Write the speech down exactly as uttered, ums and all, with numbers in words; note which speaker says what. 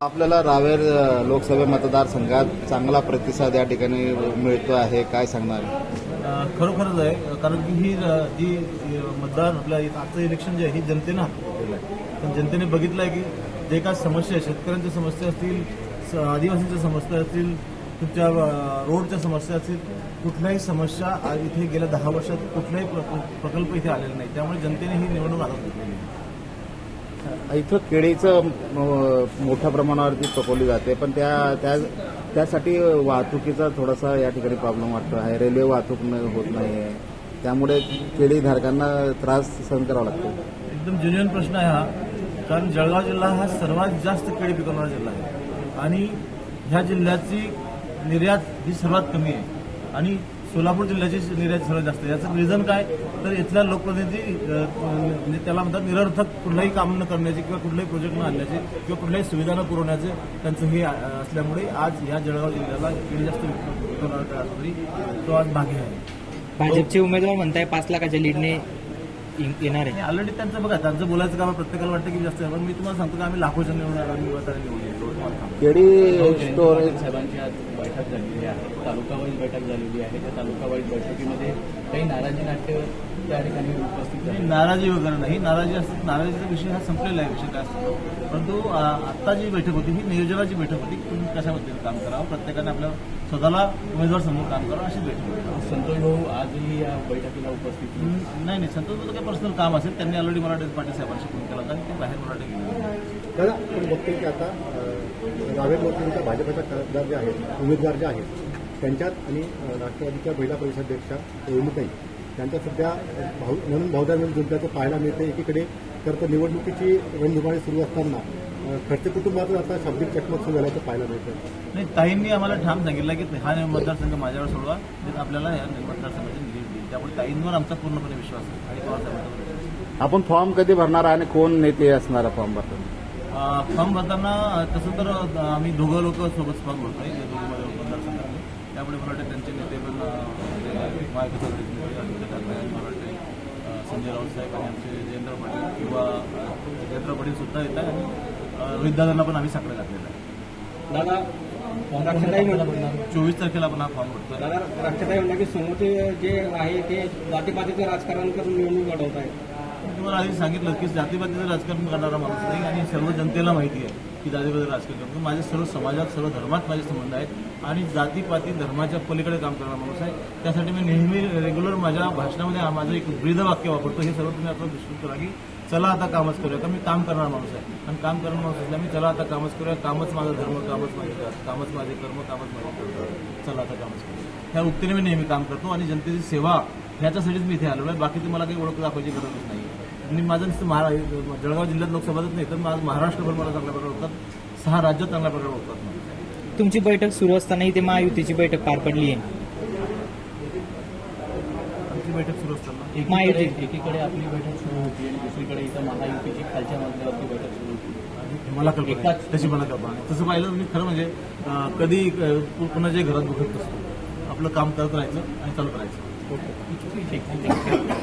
Speaker 1: आपल्याला रावेर लोकसभा मतदारसंघात चांगला प्रतिसाद या ठिकाणी मिळतो आहे, काय सांगणार?
Speaker 2: खरोखरच आहे, कारण की ही जी मतदार आपल्या आजचं इलेक्शन जे आहे ही जनतेनं हाती घेतलेलं आहे. पण जनतेने बघितलं आहे की जे काय समस्या आहे, शेतकऱ्यांच्या समस्या असतील, आदिवासींच्या समस्या असतील, तुमच्या रोडच्या समस्या असतील, कुठल्याही समस्या इथे गेल्या दहा वर्षात कुठलाही प्रकल्प इथे आलेला नाही. त्यामुळे जनतेने ही निवडणूक हातात घेतलेली आहे.
Speaker 1: इथं केळीचं मोठ्या प्रमाणावरती पकवली जाते, पण त्या त्या त्यासाठी वाहतुकीचा थोडासा या ठिकाणी प्रॉब्लेम वाटतो आहे. रेल्वे वाहतूक होत नाही आहे, त्यामुळे केळीधारकांना त्रास सहन करावा लागतो.
Speaker 2: एकदम जेन्युइन प्रश्न आहे हा, कारण जळगाव जिल्हा हा सर्वात जास्त केळी पिकवणारा जिल्हा आहे आणि ह्या जिल्ह्याची निर्यात ही सर्वात कमी आहे आणि सोलापूर जिल्ह्याची निर्यात सर्वात जास्त आहे. याचं रिझन काय, तर इथल्या लोकप्रतिनिधी म्हणजे त्याला म्हणतात निरर्थक कुठलंही काम न करण्याचे किंवा कुठलाही प्रोजेक्ट न आणण्याचे किंवा कुठल्याही सुविधा न पुरवण्याचे त्यांचं हे असल्यामुळे आज या जळगाव जिल्ह्याला केळी जास्त विकवणारा तरी तो आज मागे आहे.
Speaker 3: भाजपचे उमेदवार म्हणताय पाच लाखाच्या लीडने येणार आहे.
Speaker 2: ऑलरेडी त्यांचं बघा, त्यांचं बोलायचं काम प्रत्येकाला वाटतं की जास्त आहे, पण मी तुम्हाला सांगतो की आम्ही लाखोच्या निवडणार निवडून
Speaker 1: केळी स्टोरेज
Speaker 4: साहेबांची आज बैठक झालेली आहे, तालुकावाईज बैठक झालेली आहे. त्या तालुकावाईज बैठकीमध्ये काही नाराजी नाट्य त्या ठिकाणी उपस्थित झाली.
Speaker 2: नाराजी वगैरे नाही, नाराजी असते, नाराजीचा विषय हा संपलेला आहे, विषय काय असतो. परंतु आत्ता जी बैठक होती ही नियोजनाची बैठक होती. तुम्ही कशाबद्दल काम करावं, प्रत्येकाने आपल्या स्वतःला उमेदवार समोर काम करावं अशी बैठक होती.
Speaker 4: संतोष भाऊ आजही या बैठकीला उपस्थित
Speaker 2: नाही नाही संतोष भाऊचं काही पर्सनल काम असेल, त्यांनी ऑलरेडी मराठी पाटील साहेबांशी फोन केला होता आणि ते बाहेर मराठी गेले.
Speaker 5: दादा, आपण बघतोय की आता रावेर लोकसभेच्या भाजपच्या खासदार जे आहेत, उमेदवार जे आहेत, त्यांच्यात आणि राष्ट्रवादीच्या महिला प्रदेशाध्यक्षा रेणुताई त्यांच्या सध्या भाऊ म्हणून भाऊदार जुंप्याचं पाहायला मिळते. एकीकडे तर तर निवडणुकीची रणधुमाळी सुरू असताना खडसे कुटुंबातून आता शाब्दिक चकमक सुरू झाल्याचं पाहायला मिळतं.
Speaker 2: नाही, ताईंनी आम्हाला ठाम सांगितलं की हा मतदारसंघ माझ्यावर सोडवा, तर आपल्याला या मतदारसंघाची लीड देईल. त्यामुळे ताईंवर आमचा पूर्णपणे विश्वास आहे आणि पवारसाहेबांचा.
Speaker 1: आपण फॉर्म कधी भरणार आणि कोण नेते असणार फॉर्म भरताना?
Speaker 2: फॉर्म भरताना तसं तर आम्ही दोघं लोक सोबत फॉर्म भरतोय दोघं मतदारसंघातले. त्यामुळे मला वाटतं त्यांचे नेते पण महाविकास मला वाटते संजय राऊत साहेब आणि आमचे जयेंद्र पाटील किंवा जयेंद्र पाटील सुद्धा येत आहे आणि रोहितदादांना पण आम्ही साकडे घातलेलं आहे.
Speaker 4: दादा
Speaker 2: चोवीस तारखेला आपण हा फॉर्म भरतोय.
Speaker 6: दादा, राष्ट्रताई म्हणलं की समोरचे जे आहे ते जातीपातीचं राजकारण करून निवडणूक लढवत आहे.
Speaker 2: तुम्हाला आधी सांगितलं की जातीपातीचं राजकारण करणारा माणूस नाही आणि सर्व जनतेला माहिती आहे की जातीपातीचं राजकारण करतो. माझे सर्व समाजात सर्व धर्मात माझे संबंध आहेत आणि जातीपाती धर्माच्या पलीकडे काम करणारा माणूस आहे. त्यासाठी मी नेहमी रेग्युलर माझ्या भाषणामध्ये माझं एक ब्रीद वाक्य वापरतो. हे सर्व तुम्ही आता दृष्टी करा की चला आता कामच करूया. का मी काम करणारा माणूस आहे आणि काम करणारा माणूस असल्या मी चला आता कामच करूया, कामच माझा धर्म, कामच माझे कामच माझे कर्म, कामच माझे कर्म, चला आता कामच करूया. ह्या उक्तीने मी नेहमी काम करतो आणि जनतेची सेवा ह्याच्यासाठीच मी इथे आलेलो आहे. बाकी तुम्हाला काही ओळख दाखवायची गरजच नाही. आणि माझं नुसतं महा जळगाव जिल्ह्यात लोकसभाच नाही तर माझं महाराष्ट्रभर मला चांगल्या प्रकारे ओळखतात, सहा राज्यात चांगल्या प्रकारे ओळखतात.
Speaker 3: तुमची बैठक सुरू असताना इथे महायुतीची बैठक पार पडली आहे.
Speaker 2: आमची बैठक सुरू असताना
Speaker 4: एकीकडे एकीकडे आपली बैठक सुरू होती आणि दुसरीकडे इथं महायुतीची खालच्या मजल्यावरती बैठक सुरू होती.
Speaker 2: मला कल्पना आहे, तशी मला कल्पना आहे. तसं पाहिलं मी खरं म्हणजे कधी कुणाच्याही घरात दुखत नसतो. आपलं काम करत राहायचं आणि चालू करायचं.
Speaker 4: ठीक आहे.